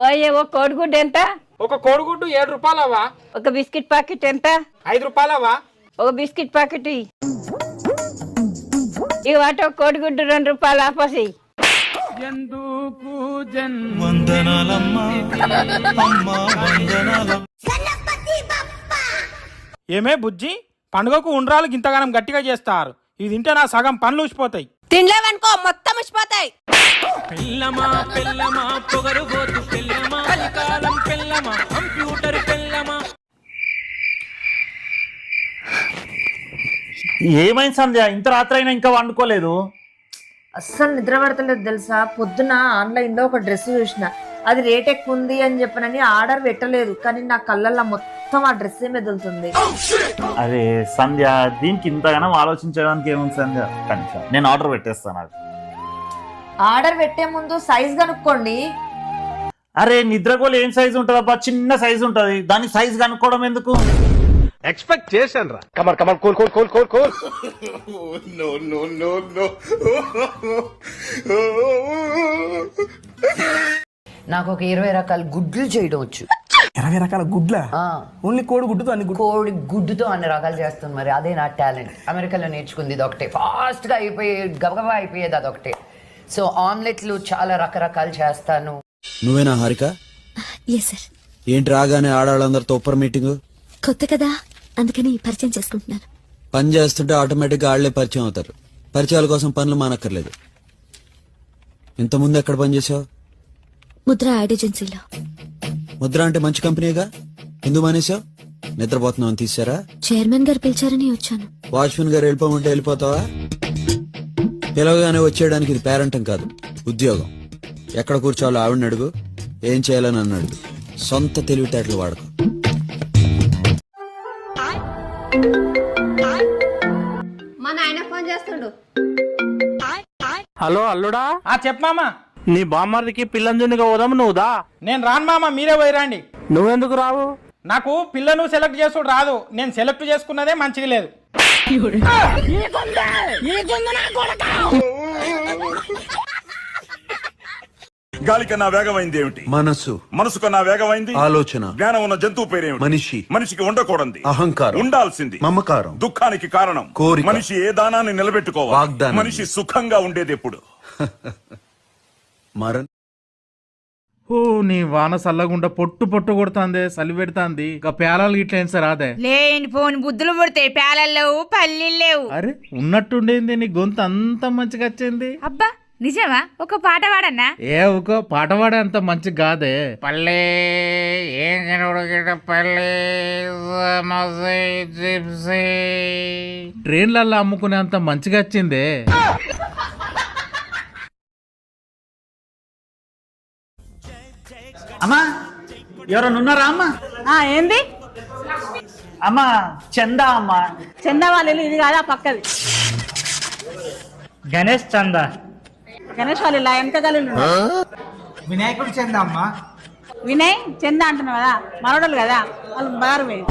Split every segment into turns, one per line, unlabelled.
ఓయే ఓ కోడిగుడ్డు ఎంత?
ఒక కోడిగుడ్డు 7 రూపాయలవా?
ఒక బిస్కెట్ ప్యాకెట్ ఎంత?
5 రూపాయలవా?
ఒక బిస్కెట్ ప్యాకెట్ ఇక వాటి ఒక కోడిగుడ్డు 2 రూపాయలు ఆపసి.
ఏమే బుజ్జి, పండుగకు ఉండ్రాలు గింతగానం గట్టిగా చేస్తారు. ఇది తింటే నా సగం పనులు ఊసిపోతాయి.
తినలేవనుకో మొత్తం ఉసిపోతాయి.
పెళ్ళమా పెళ్ళమా పొగరుబోతు పెళ్ళమా కలికాలం పెళ్ళమా కంప్యూటర్ పెళ్ళమా.
ఏమైంది సంధ్య, ఇంత రాత్రి అయినా ఇంకా వండుకోలేదు?
అస్సలు నిద్ర పడతలేదు తెలుసా. పొద్దున ఆన్లైన్లో ఒక డ్రెస్ చూసిన, అది రేట్ ఎక్కువ ఉంది అని చెప్పనని ఆర్డర్ పెట్టలేదు, కానీ నా కళ్ళల్లో మొత్తం ఆ డ్రెస్ మెదులుతుంది.
అరే సంధ్య, దీనికి ఇంతగానో ఆలోచించడానికి ఏముంది సంధ్య, కనీసం నేను ఆర్డర్ పెట్టేస్తాను. అది
ఆర్డర్ పెట్టే ముందు సైజ్ కనుక్కోండి.
అరే నిద్రగోలు ఏం సైజు ఉంటుందబ్బా, చిన్న సైజు ఉంటది, దాని సైజు కనుక్కోవడం ఎందుకు?
ఎక్స్పెక్ట్ చేశాను రా. కమర్ కమర్ cool cool cool cool cool. No no no no.
నాకు ఒక 20 రకాల గుడ్లు చేయడం వచ్చు.
20 రకాల గుడ్ల? ఓన్లీ కోడి గుడ్డుతో అన్ని
కోడి గుడ్డుతో అన్ని రకాలు చేస్తుంది. మరి అదే నా టాలెంట్. అమెరికాలో నేర్చుకుంది ఇది ఒకటే, ఫాస్ట్ గా అయిపోయే గబగబా అయిపోయేది అదొకటే. సో ఆమ్లెట్లు చాలా రకరకాలు చేస్తాను.
నువ్వేనా హారిక?
Yes sir.
ఏంటి రాగానే ఆడవాళ్ళందరితో ఒప్పర్ మీటింగ్?
కొత్త కదా, అందుకని పరిచయం చేసుకుంటున్నాను.
పని చేస్తుంటే ఆటోమేటిక్ గా ఆళ్లే పరిచయం అవుతారు. పరిచయాల కోసం పనులు మానక్కర్లేదు. ఇంతకుముందు ఎక్కడ పనిచేసావు?
ముద్ర యాడ్ ఏజెన్సీలో.
ముద్ర అంటే మంచి కంపెనీగా, ఎందుకు మానేసావు? నిద్రపోతున్నావు అని తీసారా?
చైర్మన్ గారు పిలిచారని వచ్చాను.
వాచ్మెన్ గారు వెళ్ళిపోమంటే వెళ్ళిపోతావా? పిలవగానే వచ్చేయడానికి ఇది పేరెంటం కాదు, ఉద్యోగం. ఎక్కడ కూర్చోవాలో ఆవిడని అడుగు, ఏం చేయాలని నన్ను అడుగు. సొంత తెలివితేటలు వాడకు.
మా నాయన ఫోన్ చేస్తుండు.
హలో అల్లుడా. చెప్పమామా.
నీ బామ్మర్దికి పిల్లంజునిగా పోదాము, నువ్వుదా?
నేను రాను మామ, మీరే పోయిరండి.
నువ్వెందుకు రావు?
నాకు పిల్లను సెలెక్ట్ చేసుడు రాదు. నేను సెలెక్ట్ చేసుకున్నదే మంచిగా లేదు.
గాలి కన్నా వేగమైంది ఏమిటి?
మనసు.
మనసు కన్నా వేగమైంది
ఆలోచన.
జ్ఞానం ఉన్న జంతువు పేరేమిటి?
మనిషి.
మనిషికి ఉండకూడదు
అహంకారం.
ఉండాల్సింది
మమకారం.
దుఃఖానికి కారణం
కోరిక.
మనిషి ఏ దానాన్ని నిలబెట్టుకోవాలి?
వాగ్దానం.
మనిషి సుఖంగా ఉండేది ఎప్పుడు?
మరణం.
ఓ నీ వాన సల్లగుండా పొట్టు పొట్టు కొడుతుంది, సలి పెడుతుంది. ఇక పేలాలు గిట్ల ఏం సార్ అదే
లేని ఫోన్ బుద్ధులు పుడతాయి. పేలలు లేవు, పల్లీలు లేవు.
అరే ఉన్నట్టుండేంది, నీ గొంతు అంత మంచిగా వచ్చింది.
అబ్బా నిజమా? ఒక పాట పాడన్నా?
ఏ ఒక పాట పాడే అంత మంచి కాదే. పల్లె ఏం పల్లె ట్రైన్లల్లో అమ్ముకునే అంత మంచిగా వచ్చిందే.
అమ్మా ఎవరన్నా ఉన్నారా అమ్మా?
ఏంది?
అమ్మా చందా అమ్మా.
చందా వాళ్ళు ఇది కాదా పక్కది?
గణేష్ చందా.
గణేష్ వాళ్ళు ఇలా ఎంత గలు.
వినాయకుడు చెందా అమ్మా.
వినయ్ చందా అంటున్నావు కదా, మనోడలు కదా వాళ్ళు బారు పోయి.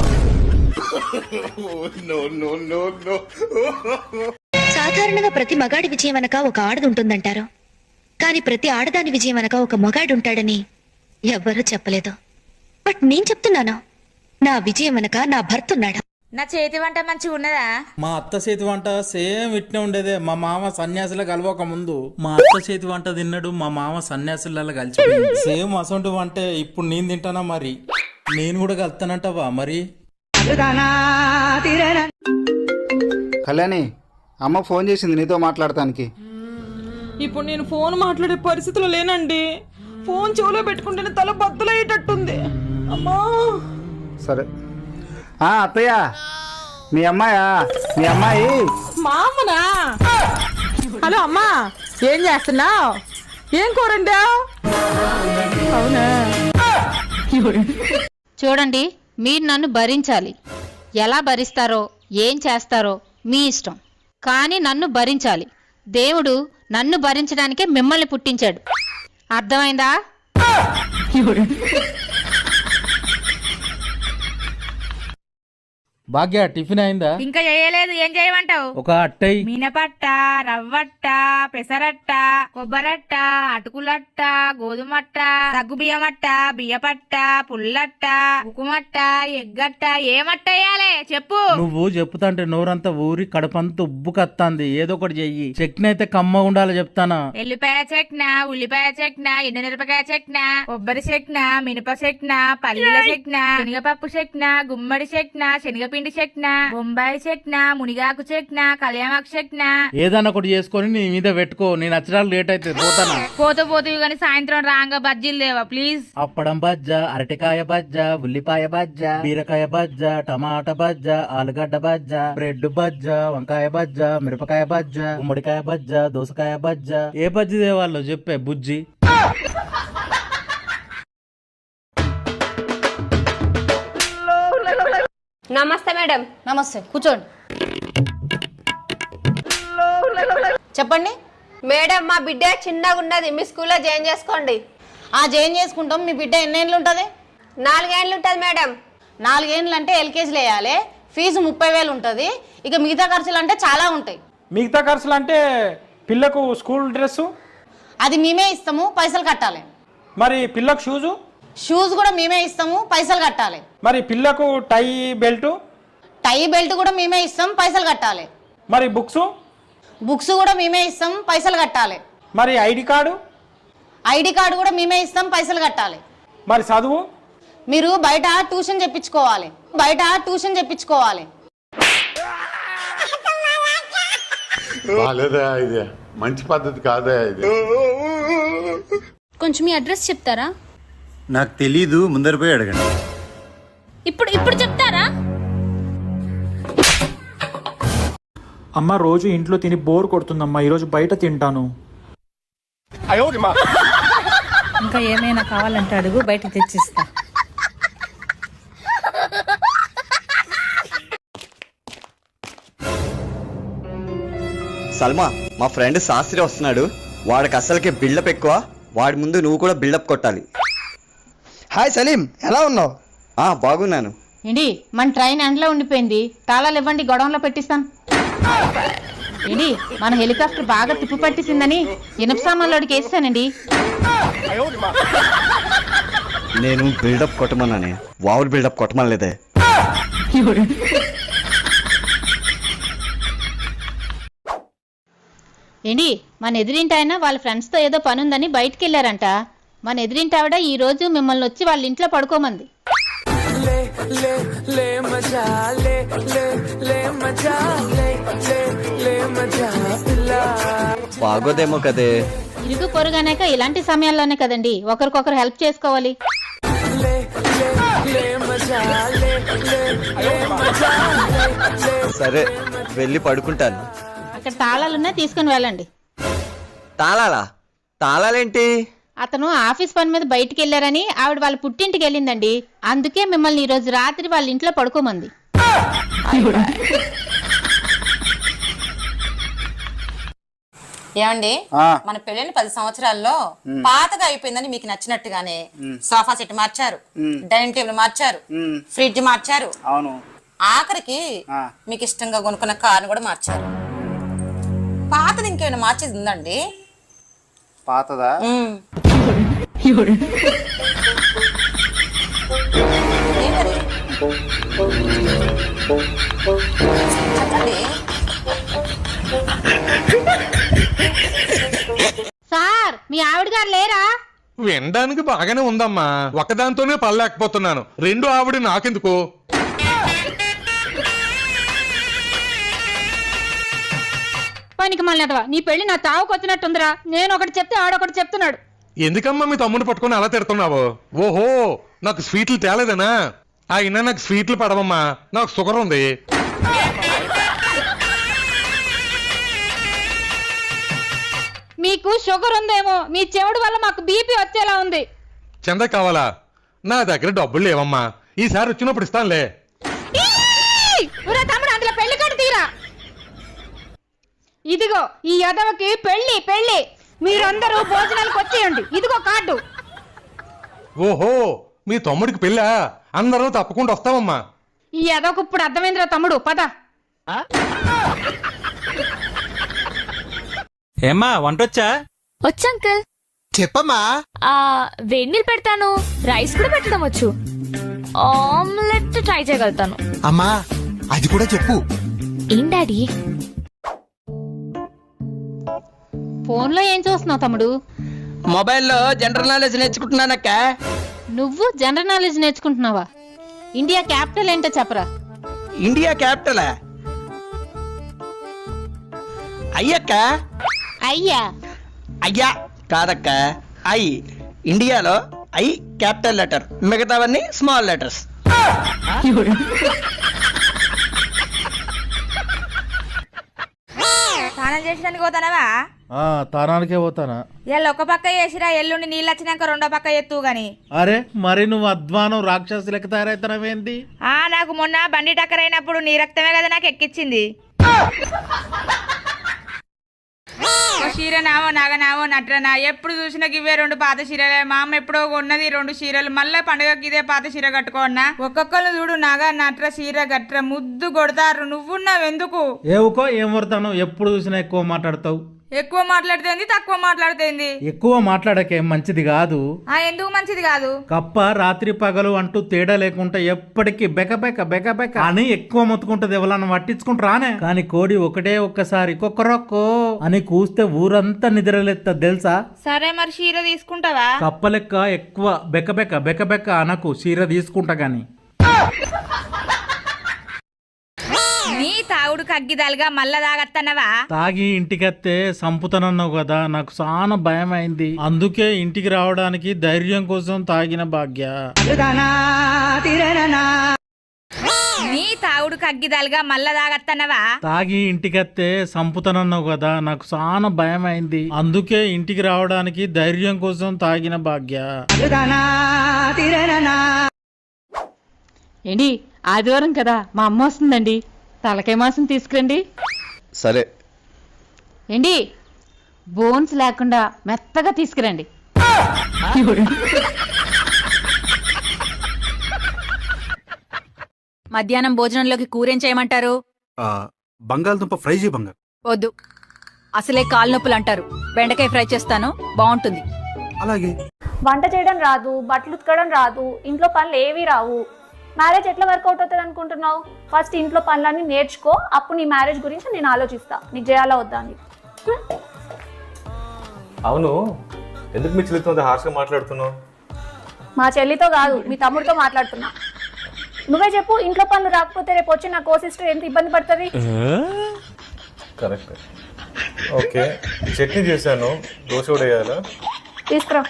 సాధారణంగా ప్రతి మగాడి విజయం అనక ఒక ఆడది ఉంటుందంటారు, కానీ ప్రతి ఆడదాని విజయం అనక ఒక మగాడు ఉంటాడని ఎవ్వరూ చెప్పలేదు. బట్ నేను చెప్తున్నాను, నా విజయం అనక నా భర్త ఉన్నాడు.
నా చేతి వంట మంచిగా ఉన్నదా?
మా అత్త చేతి వంట సేమ్ ఇట్నే ఉండేదే. మా మామ సన్యాసుల కలవక ముందు మా అత్త చేతి వంట తిన్నాడు, మా మామ సన్యాసులలో కలిసి సేమ్ అసొంటి వంటే ఇప్పుడు నేను తింటానా? మరి నేను కూడా కలుతానంటావా? మరి
కళ్యాణి, అమ్మ ఫోన్ చేసింది నీతో మాట్లాడటానికి.
ఇప్పుడు నేను ఫోన్ మాట్లాడే పరిస్థితిలో లేనండి. ఫోన్ చెవులో పెట్టుకుంటేనే తల బద్దలయ్యేటట్టుంది. అమ్మా
సరే. అత్తయ్య, మీ అమ్మాయా? మీ అమ్మాయి
మా అమ్మనా? హలో అమ్మా, ఏం చేస్తున్నావు? ఏం కూరండా? అవునా?
చూడండి, మీరు నన్ను భరించాలి. ఎలా భరిస్తారో ఏం చేస్తారో మీ ఇష్టం, కానీ నన్ను భరించాలి. దేవుడు నన్ను భరించడానికే మిమ్మల్ని పుట్టించాడు. అర్థమైందా?
భాగ్య టిఫిన్ అయిందా?
ఇంకా చేయలేదు. ఏం చేయమంటావు?
ఒక అట్టై.
మినపట్ట, రవ్వట్ట, పెసరట్ట, కొబ్బరట్ట, అటుకులట్ట, గోధుమట్ట, సగ్గుబియ్యమట్ట, బియ్యపట్ట, పుల్లట్ట, ఉకుమట్ట, ఎగ్గట్ట. ఏమట్ట వేయాలి చెప్పు.
నువ్వు చెప్తాంటే నోరంతా ఊరి కడపంతా ఉబ్బు కత్తాంది. ఏదో ఒకటి చెయ్యి. చట్నీ అయితే కమ్మ ఉండాలి చెప్తానా.
ఎల్లిపాయ చెక్న, ఉల్లిపాయ చెక్న, ఎండుమిరపకాయ చెక్న, కొబ్బరి చెక్న, మినప చెక్న, పల్లీల చెక్న, శనగపప్పు చెక్న, గుమ్మడి చెక్న, శనగపిండి చెక్న, బొంబాయి చెక్న, మునిగాకు చెక్న, కళ్యామాకు చెక్న.
ఏదన్నా ఒకటి చేసుకొని నీ మీద పెట్టుకో. నేను నచ్చడానికి లేట్ అయితే పోతానా.
పోతూ గాని సాయంత్రం రాంగా బజ్జీలు లేవా ప్లీజ్.
అప్పడం బజ్జ, అరటికాయ బజ్జ, ఉల్లిపాయ బజ్జ, బీరకాయ బజ్జ, టమాటా బజ్జ, ఆలుగడ్డ బజ్జ, బ్రెడ్ బజ్జ, వంకాయ బజ్జ, మిరపకాయ బజ్జ, గుమ్మడికాయ బజ్జ, దోసకాయ బజ్జ. ఏ బజ్జి దేవాళ్ళు చెప్పే బుజ్జి.
నమస్తే మేడం.
నమస్తే, కూర్చోండి. చెప్పండి
మేడం, మా బిడ్డ చిన్నగా ఉన్నది, మీ స్కూల్లో జాయిన్ చేసుకోండి.
జాయిన్ చేసుకుంటాం. మీ బిడ్డ ఎన్నేళ్ళు ఉంటుంది?
4 ఏళ్ళు ఉంటుంది మేడం.
4 ఏళ్ళు అంటే ఎల్కేజీలో వేయాలి. ఫీజు 30,000 ఉంటుంది. ఇక మిగతా ఖర్చులు అంటే చాలా ఉంటాయి.
మిగతా ఖర్చులు అంటే పిల్లకు స్కూల్ డ్రెస్సు
అది మేమే ఇస్తాము, పైసలు కట్టాలి.
మరి పిల్లకు
షూస్ కూడా మేమే ఇస్తాము, పైసలు కట్టాలి.
మరి పిల్లకు టై బెల్ట్
కూడా మేమే ఇస్తాం, పైసలు కట్టాలి.
మరి
బుక్స్ కూడా మేమే ఇస్తాం, పైసలు కట్టాలి.
మరి ఐడి కార్డు
కూడా మేమే ఇస్తాం, పైసలు కట్టాలి.
మరి చదువు
మీరు బయట ట్యూషన్ చెప్పించుకోవాలి.
ఇది మంచి పద్ధతి కాదా ఇది?
కొంచెం మీ అడ్రస్ చెప్తారా?
నాకు తెలీదు, ముందర పోయి అడగండి.
ఇప్పుడు చెప్తారా?
అమ్మ రోజు ఇంట్లో తిని బోర్ కొడుతుందమ్మా, ఈరోజు బయట తింటాను.
ఇంకా ఏమైనా కావాలంటే అడుగు, బయట తెచ్చిస్తా.
సల్మా, మా ఫ్రెండ్ శాస్త్రి వస్తున్నాడు. వాడికి అసలుకే బిల్డప్ ఎక్కువ. వాడి ముందు నువ్వు కూడా బిల్డప్ కొట్టాలి.
హాయ్ సలీం, ఎలా ఉన్నావు?
బాగున్నాను.
ఏంటి మన ట్రైన్ ఎండలో ఉండిపోయింది, తాళాలు ఇవ్వండి, గొడవలో పెట్టిస్తాను. ఏంటి మన హెలికాప్టర్ బాగా తిప్పు పట్టిసిందని ఇనప సామాన్లోడికి వేస్తానండి.
నేను బిల్డప్ కొట్టమన్నానే, వావులు బిల్డప్ కొట్టమనలేదే.
ఏంటి మన ఎదురింటి ఆయన వాళ్ళ ఫ్రెండ్స్తో ఏదో పని ఉందని బయటికి వెళ్ళారంట. మన ఎదురింటి ఆవిడ ఈ రోజు మిమ్మల్ని వచ్చి వాళ్ళ ఇంట్లో పడుకోమంది.
బాగోదేమో కదే.
ఇరుగు పొరుగనేక ఇలాంటి సమయాల్లోనే కదండి ఒకరికొకరు హెల్ప్ చేసుకోవాలి.
సరే, వెళ్ళి పడుకుంటాను.
అక్కడ తాళాలున్నా తీసుకుని వెళ్ళండి.
తాళాలేంటి?
అతను ఆఫీస్ పని మీద బయటికి వెళ్ళారని ఆవిడ వాళ్ళ పుట్టింటికి వెళ్ళిందండి. అందుకే మిమ్మల్ని ఈ రోజు రాత్రి వాళ్ళ ఇంట్లో పడుకోమంది.
ఏమండి, మన పెళ్ళైన 10 సంవత్సరాల్లో పాతగా అయిపోయిందని మీకు నచ్చినట్టుగానే సోఫా సెట్ మార్చారు, డైనింగ్ టేబుల్ మార్చారు, ఫ్రిడ్జ్ మార్చారు, ఆఖరికి మీకు ఇష్టంగా కొనుక్కున్న కారు కూడా మార్చారు. పాతది ఇంకేమైనా మార్చేది ఉందండి?
పాతదా?
సార్, మీ ఆవిడ గారు లేరా?
వినడానికి బాగానే ఉందమ్మా, ఒకదాంతోనే పడలేకపోతున్నాను. 2 ఆవిడ నాకెందుకు?
పనికి మళ్ళీ నీ పెళ్లి నా తావుకు వచ్చినట్టుందిరా. నేను ఒకటి చెప్తే ఆడొకటి చెప్తున్నాడు.
ఎందుకమ్మా మీ తమ్ముడు పట్టుకొని అలా తిడుతున్నావు? ఓహో, నాకు స్వీట్లు తేలేదనా? అయినా నాకు స్వీట్లు పడవమ్మా, నాకు షుగర్ ఉంది.
మీకు షుగర్ ఉందేమో, మీ చెవుడు వల్ల మాకు బీపీ వచ్చేలా ఉంది.
చందా కావాలా? నా దగ్గర డబ్బులు లేవమ్మా, ఈసారి వచ్చినప్పుడు ఇస్తానులే.
అందులో పెళ్లి కార్డు తీరా. ఇదిగో ఈ యదవకి పెళ్లి. మీరందరూ భోజనాలకు వచ్చేయండి. ఇదిగో కార్డు.
ఓహో, మీ తమ్ముడికి పెళ్ళా? అందరూ తప్పకుండా వస్తామమ్మా.
ఈ అదొక ఇప్పుడు అర్థమైందిరా తమ్ముడు పద.
ఏమ్మా వంటొచ్చా?
వచ్చు అంకుల్.
చెప్పమ్మా.
వేడి నీళ్ళు పెడతాను, రైస్ కూడా పెట్టడం వచ్చు, ఆమ్లెట్ ట్రై చేయగలుగుతాను.
అమ్మా అది కూడా చెప్పు.
ఏం డాడీ?
ఫోన్లో ఏం చూస్తున్నావు తమ్ముడు?
మొబైల్లో జనరల్ నాలెడ్జ్ నేర్చుకుంటున్నానక్క.
నువ్వు జనరల్ నాలెడ్జ్ నేర్చుకుంటున్నావా? ఇండియా క్యాపిటల్ ఏంటో చెప్పరా?
ఇండియా క్యాపిటల్ అయ్యక్క.
అయ్యా
అయ్యా కాదక్క, ఐ. ఇండియాలో ఐ క్యాపిటల్ లెటర్, మిగతావన్నీ స్మాల్ లెటర్స్.
స్నానం చేసినందుకు పోతానవా?
తానానికే పోతానా?
ఎల్లు ఒక పక్క చేసిరా, ఎల్లుండి నీళ్ళు వచ్చినాక రెండో పక్క ఎత్తు గాని.
అరే మరి నువ్వు అధ్వానం రాక్షసు లెక్క తయారైతున్నావేంది?
నాకు మొన్న బండి టక్కర్ అయినప్పుడు నీ రక్తమే కదా నాకు ఎక్కిచ్చింది. చీరనావో నగనావో నట్రనా, ఎప్పుడు చూసినా ఇవే రెండు పాత చీరలే. మా అమ్మ ఎప్పుడో ఉన్నది 2 చీరలు, మళ్ళీ పండుగకి ఇదే పాత చీర కట్టుకోన్నా. ఒక్కొక్కరు చూడు నగ నట్ర చీర గట్ర ముద్దు కొడతారు. నువ్వున్నావెందుకు?
ఏవుకో ఏం వడతాను, ఎప్పుడు చూసినా ఎక్కువ మాట్లాడతావు.
ఎక్కువ మాట్లాడితేంది, తక్కువ మాట్లాడితేంది?
ఎక్కువ మాట్లాడకే మంచిది కాదు.
ఎందుకు మంచిది కాదు?
కప్ప రాత్రి పగలు అంటూ తేడా లేకుండా ఎప్పటికీ బెకబెక బెకబెక అని ఎక్కువ మొత్తుకుంటది. ఎవరన్నా పట్టించుకుంటారానే? కానీ కోడి ఒకటే ఒక్కసారి కొక్కరొక్కో అని కూస్తే ఊరంతా నిద్రలేస్తా తెలుసా?
సరే మరి చీర తీసుకుంటావా?
కప్ప లెక్క ఎక్కువ బెకబెక బెకబెక అనకు, చీర తీసుకుంటా గాని.
నీ తాగుడు కగ్గిదాలుగా మళ్ళా తాగత్తన్నవా?
తాగి ఇంటికత్తే సంపుతానన్నావు కదా, నాకు చాలా భయం అయింది. అందుకే ఇంటికి రావడానికి ధైర్యం కోసం తాగిన భాగ్య.
నీ తాగుడు కగ్గిదాలుగా మళ్ళా తాగత్తన్నవా?
తాగి ఇంటికత్తే సంపుతానన్నావు కదా, నాకు చాలా భయం అయింది. అందుకే ఇంటికి రావడానికి ధైర్యం కోసం తాగిన భాగ్య.
ఏంటి ఆదివారం కదా, మా అమ్మ వస్తుందండి, తలకాయ మాసం తీసుకురండి.
సరే.
ఏంటి బోన్స్ లేకుండా మెత్తగా తీసుకురండి.
మధ్యాహ్నం భోజనంలోకి కూరేం చేయమంటారు?
బంగాళదుంప ఫ్రై చేయి బంగారు.
వద్దు, అసలే కాలు నొప్పులు అంటారు. బెండకాయ ఫ్రై చేస్తాను, బాగుంటుంది.
అలాగే.
వంట చేయడం రాదు, బట్టలు ఉతకడం రాదు, ఇంట్లో పనులు ఏవి రావు. మ్యారేజ్ ఎట్లా వర్కౌట్ అవుతుంది అనుకుంటున్నావు? ఫస్ట్ ఇంట్లో పనులన్నీ నేర్చుకో, అప్పుడు నీ మ్యారేజ్ గురించి నేను ఆలోచిస్తా, నీకు చేయాలా వద్దా అని.
అవును, ఎందుకు మీ చెల్లితో హార్ష్గా మాట్లాడుతున్నావు?
మా చెల్లితో కాదు, మీ తమ్ముడితో మాట్లాడుతున్నా. నువ్వే చెప్పు, ఇంట్లో పనులు రాకపోతే రేపు వచ్చి నా కో సిస్టర్ ఎంత ఇబ్బంది పడుతుంది?
కరెక్ట్. ఓకే, చట్నీ చేశాను, దోశ కూడా వేయాలా?
తీసుకురా.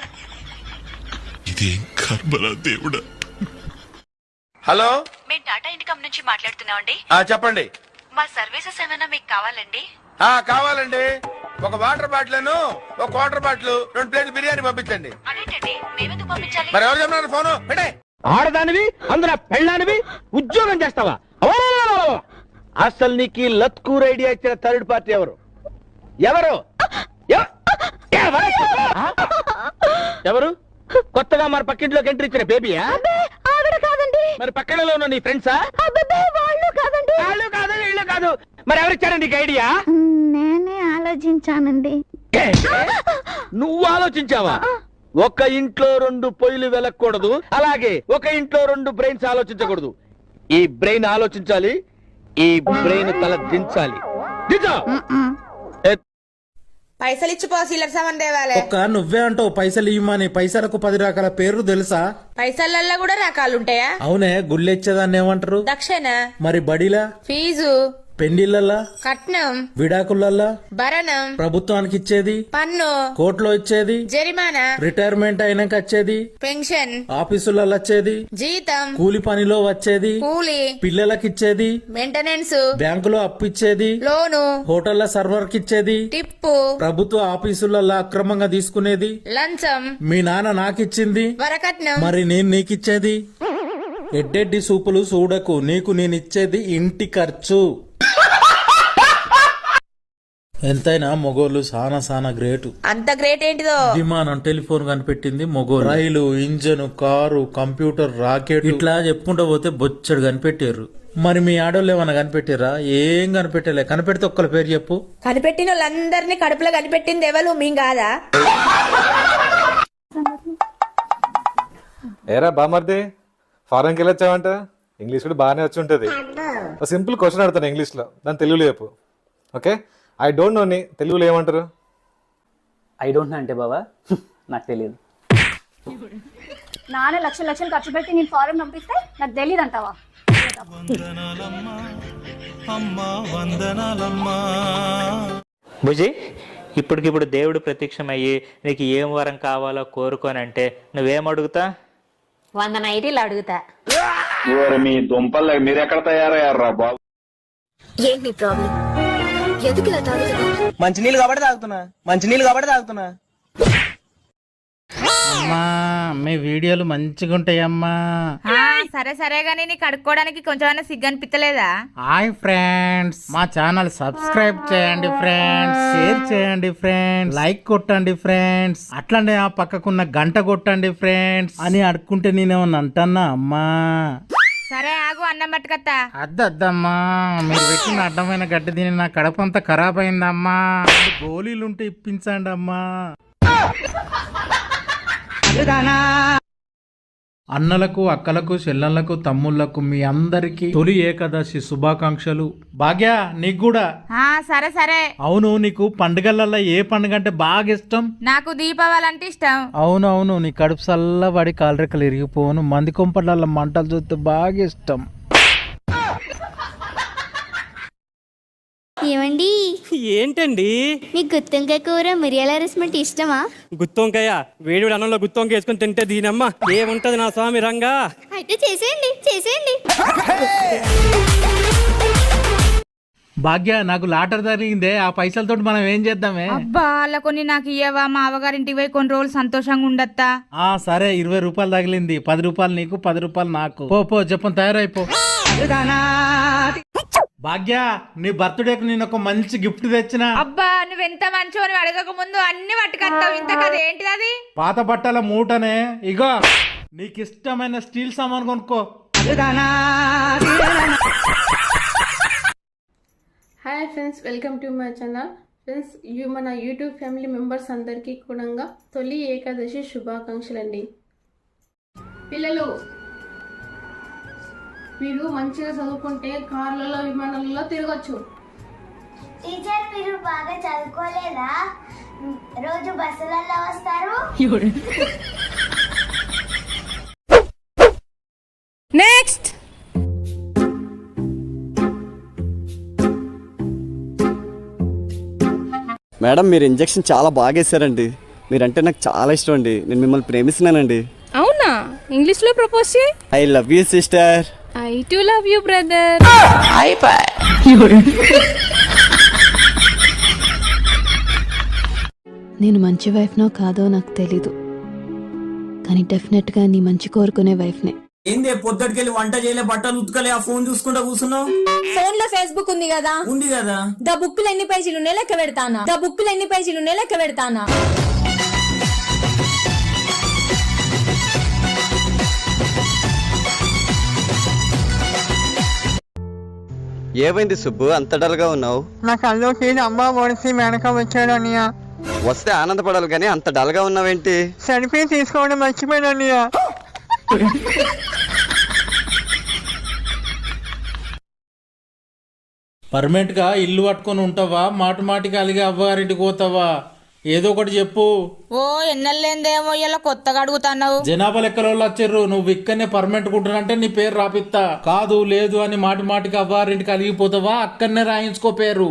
దేవుడా. హలో,
మేము టాటా ఇన్కమ్ నుంచి మాట్లాడుతున్నామండి.
చెప్పండి.
మా సర్వీసెస్ ఏమైనా మీకు కావాలండి?
కావాలండి. ఒక వాటర్ బాటిల్, ఒక వాటర్ బాటిల్, 2 ప్లేట్లు బిర్యానీ పంపించండి.
అదేంటండి, మేమెందుకు పంపించాలి?
మరి ఎవరు చెప్పినారు ఫోను? పెట్టే.
ఆడదానివి, అందులో పెళ్ళానివి ఉద్యోగం చేస్తావా? అసలు నీకు లత్కూర్ ఐడియా ఇచ్చిన థర్డ్ పార్టీ ఎవరు? ఎవరు ఎవరు? కొత్తగా మన పక్కింట్లోకి ఎంట్రీ ఇచ్చిన బేబీయా? మరి పక్కనలో ఉన్న నీ ఫ్రెండ్సా? వాళ్ళు కాదు, వీళ్ళు కాదు. మరి ఎవరిచ్చారు నీకు ఐడియా?
నేనే ఆలోచించానండి.
నువ్వు ఆలోచించావా? ఒక ఇంట్లో 2 పొయ్యిలు వెలకూడదు, అలాగే ఒక ఇంట్లో 2 బ్రెయిన్స్ ఆలోచించకూడదు. ఈ బ్రెయిన్ ఆలోచించాలి, ఈ బ్రెయిన్ తల దించాలి.
పైసలు ఇచ్చిపో, సిల్లర్ సామాన్ తేవాలే.
ఒక్క నువ్వే అంటావు పైసలు ఇవ్వమని. పైసలకు 10 రకాల పేర్లు తెలుసా?
పైసలల్లో కూడా రకాలుంటాయా?
అవునే, గుళ్ళెచ్చేదాన్ని ఏమంటారు?
దక్షిణ.
మరి బడిలా?
ఫీజు.
పెండిళ్ళల్లా?
కట్నం.
విడాకులల్లా?
భరణం.
ప్రభుత్వానికి ఇచ్చేది?
పన్ను.
కోర్టులో ఇచ్చేది?
జరిమానా.
రిటైర్మెంట్ అయినాక వచ్చేది?
పెన్షన్.
ఆఫీసులలో వచ్చేది?
జీతం.
కూలి పనిలో వచ్చేది?
కూలి.
పిల్లలకి ఇచ్చేది?
మెయింటెనెన్స్.
బ్యాంకులో అప్పు ఇచ్చేది?
లోను.
హోటళ్ల సర్వర్ కి ఇచ్చేది?
టిప్పు.
ప్రభుత్వ ఆఫీసులలో అక్రమంగా తీసుకునేది?
లంచం.
మీ నాన్న నాకిచ్చింది?
వరకట్నం.
మరి నేను నీకిచ్చేది? ఎడ్డెడ్డి సూపులు చూడకు, నీకు నేనిచ్చేది ఇంటి ఖర్చు.
ఎంతైనా మొగోళ్ళు సానా గ్రేటు.
అంత గ్రేట్ ఏంటిదో?
విమానం, టెలిఫోన్ కనిపెట్టింది మొగోళ్ళు. Rail, engine, car, computer, rocket ఇట్లా చెప్పుకుంటూ పోతే బొచ్చడు కనిపెట్టారు. మరి మీ ఆడోళ్ళు ఏమన్నా కనిపెట్టారా? ఏం కనిపెట్టలే. కనిపెడితే ఒక్కల పేరు చెప్పు.
కనిపెట్టిన వాళ్ళందరినీ కడుపులో కనిపెట్టింది ఎవరు? మేం కాదా?
ఏరా బామర్ది, ఫారెన్కి వెళ్ళొచ్చావంట? ఇంగ్లీష్ కూడా బాగానే వచ్చి ఉంటుంది. ఒక సింపుల్ క్వశ్చన్ అడుగుతాను ఇంగ్లీష్లో, దాని తెలుగులో చెప్పు. ఓకే, ఐ డోంట్ నోని తెలుగులో ఏమంటారు?
ఐ డోంట్ నో అంటే బాబా నాకు తెలియదు.
నాన్న లక్షలు ఖర్చు పెట్టి నేను ఫారెన్ పంపిస్తే నాకు తెలియదు అంటావా?
భుజి, ఇప్పటికిప్పుడు దేవుడు ప్రత్యక్షమయ్యి నీకు ఏం వరం కావాలో కోరుకోనంటే నువ్వేం అడుగుతా?
100 నైటీలు అడుగుతా.
మీ దుంపలు మీరెక్కడ తయారయ్యారా బాబు?
ఏంటి నీ ప్రాబ్లం? ఎందుకు ఇలా తాగుతున్నావు?
మంచినీళ్ళు కాబట్టి తాగుతున్నా.
అమ్మా మీ వీడియోలు మంచిగా ఉంటాయమ్మా.
సరే సరే గానీ నీకు కడుక్కోవడానికి కొంచెమైనా సిగ్గు అనిపించలేదా?
హాయ్ ఫ్రెండ్స్, మా ఛానల్ సబ్స్క్రైబ్ చేయండి ఫ్రెండ్స్, షేర్ చేయండి ఫ్రెండ్స్, లైక్ కొట్టండి ఫ్రెండ్స్, అట్లనే ఆ పక్కకున్న గంట కొట్టండి ఫ్రెండ్స్ అని అడుక్కుంటే నేనేమన్నా అంటన్నా అమ్మా?
సరే ఆగు, అన్నం పట్టుకత్తా.
అద్దమ్మా, మీరు పెట్టిన అడ్డమైన గడ్డి తిని నా కడపంతా ఖరాబ్ అయిందమ్మా. గోళీలుంటే ఇప్పించండి అమ్మా. అన్నలకు, అక్కలకు, చెల్లెళ్లకు, తమ్ముళ్లకు మీ అందరికి తొలి ఏకాదశి శుభాకాంక్షలు. భాగ్య నీకు కూడా.
సరే సరే.
అవును, నీకు పండుగలలో ఏ పండుగ అంటే బాగా ఇష్టం?
నాకు దీపావళి అంటే ఇష్టం.
అవునవును, నీ కడుపు చల్లబడి కాలరెక్కలు ఇరిగిపోను, మంది కొంపట్ల మంటలు చూస్తే బాగా ఇష్టం.
ఏమండి?
ఏంటండి?
మీకు గుత్తొంకాయ కూర మిరియాల రసం ఇష్టమా?
గుత్తొంకాయ వేడి అన్నంలో గుత్తొంకాయ వేసుకొని తింటే దీనమ్మ ఏముంటది నా స్వామి రంగా.
అయితే చేసేయండి.
భాగ్య, నాకు లాటర్ జరిగిందే, ఆ పైసలతో మనం ఏం చేద్దామే?
అబ్బా అలా కొన్ని నాకు ఇయ్యవా? మా అవగారింటికి పోయి కొన్ని రోజులు సంతోషంగా ఉండత్తా.
సరే, 20 రూపాయలు తగిలింది, 10 రూపాయలు నీకు, 10 రూపాయలు నాకు. పో చెప్పని తయారైపో. భాగ్య, నీ బర్త్డేకి నేను ఒక మంచి గిఫ్ట్ తెచ్చిన.
అబ్బా నువ్వెంత మంచో, నువ్వు అడగక ముందు అన్ని పట్టుకొస్తావు. ఇంత కదా ఏంటిది అది?
పాత బట్టల మూటనే. ఇగో నీకు ఇష్టమైన స్టీల్ సామాన్ కొనుక్కో.
Hi friends, welcome to my channel. Friends, మన యూట్యూబ్ ఫ్యామిలీ మెంబర్స్ అందరికీ కూడా తొలి ఏకాదశి శుభాకాంక్షలు అండి. పిల్లలు, మీరు మంచిగా చదువుకుంటే కార్లలో, విమానాలలో తిరగచ్చు.
టీచర్, మీరు బాగా చదువుకోలేదా? రోజు బస్సులలో వస్తారు.
నెక్స్ట్.
మేడం, మీరు ఇంజెక్షన్ చాలా బాగా వేసారండి. మీరంటే నాకు చాలా ఇష్టం అండి. నేను మిమ్మల్ని ప్రేమిస్తున్నానండి.
అవునా? ఇంగ్లీష్ లో ప్రపోజ్ చేయి.
I love you sister.
I too love you brother.
నేను మంచి వైఫ్నో కాదో నాకు తెలీదు, కానీ డెఫినెట్ గా నీ మంచి కోరుకునే వైఫ్నే.
ఏందే పొద్దుటికెళ్ళి వంట చేయలే, బట్టలు ఉతకలే, ఆ ఫోన్ చూసుకుంటా కూర్చున్నావు?
ఫోన్ లో ఫేస్బుక్ ఉంది కదా.
ఉంది కదా.
ద బుక్కులు ఎన్ని పేజీలు ఉన్నాయి లెక్క పెడతానా.
ఏమైంది సుబ్బు, అంత డల్ గా ఉన్నావు?
నా కల్లోకి అమ్మ ఒడిసి వెనక వచ్చాడు అన్నయ్య.
వస్తే ఆనందపడాలి కానీ అంత డల్ గా ఉన్నావేంటి?
సెల్ఫీ తీసుకోవడం మర్చిపోయాను అన్నయ్య.
పర్మనెంట్ గా ఇల్లు పట్టుకొని ఉంటావా? మాటికి అలిగే అవ్వగారింటికి పోతావా? ఏదో ఒకటి చెప్పు.
ఓ ఎన్నెల్లేందేమో ఇలా కొత్తగా అడుగుతున్నావు.
జనాభా లెక్కల వాళ్ళు వచ్చారు, నువ్వు ఇక్కడనే పర్మనెంట్ కుంటున్నంటే నీ పేరు రాపిస్తా. కాదు లేదు అని మాటికి అవ్వారింటికి అలిగిపోతావా? అక్కడనే రాయించుకో పేరు.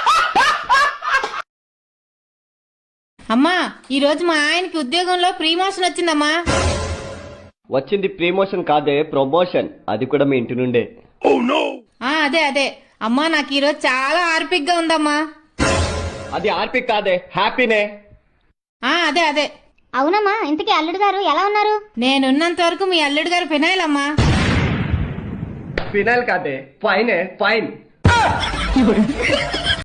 అమ్మా, ఈ రోజు మా ఆయనకి ఉద్యోగంలో ప్రమోషన్ వచ్చిందమ్మా.
వచ్చింది ప్రమోషన్ కాదే, ప్రమోషన్. అది కూడా మీ ఇంటి నుండే.
అదే అమ్మా, నాకు ఈ రోజు చాలా ఆర్పిక్ గా ఉందమ్మా.
అది ఆర్పిక్ కాదే, హ్యాపీనే.
అదే
అవునమ్మా, ఇంతకీ అల్లుడు గారు ఎలా ఉన్నారు?
నేనున్నంత వరకు మీ అల్లుడు గారు ఫినాయిల్ అమ్మా.
ఫినాయిల్ కాదే, ఫైనే, ఫైన్.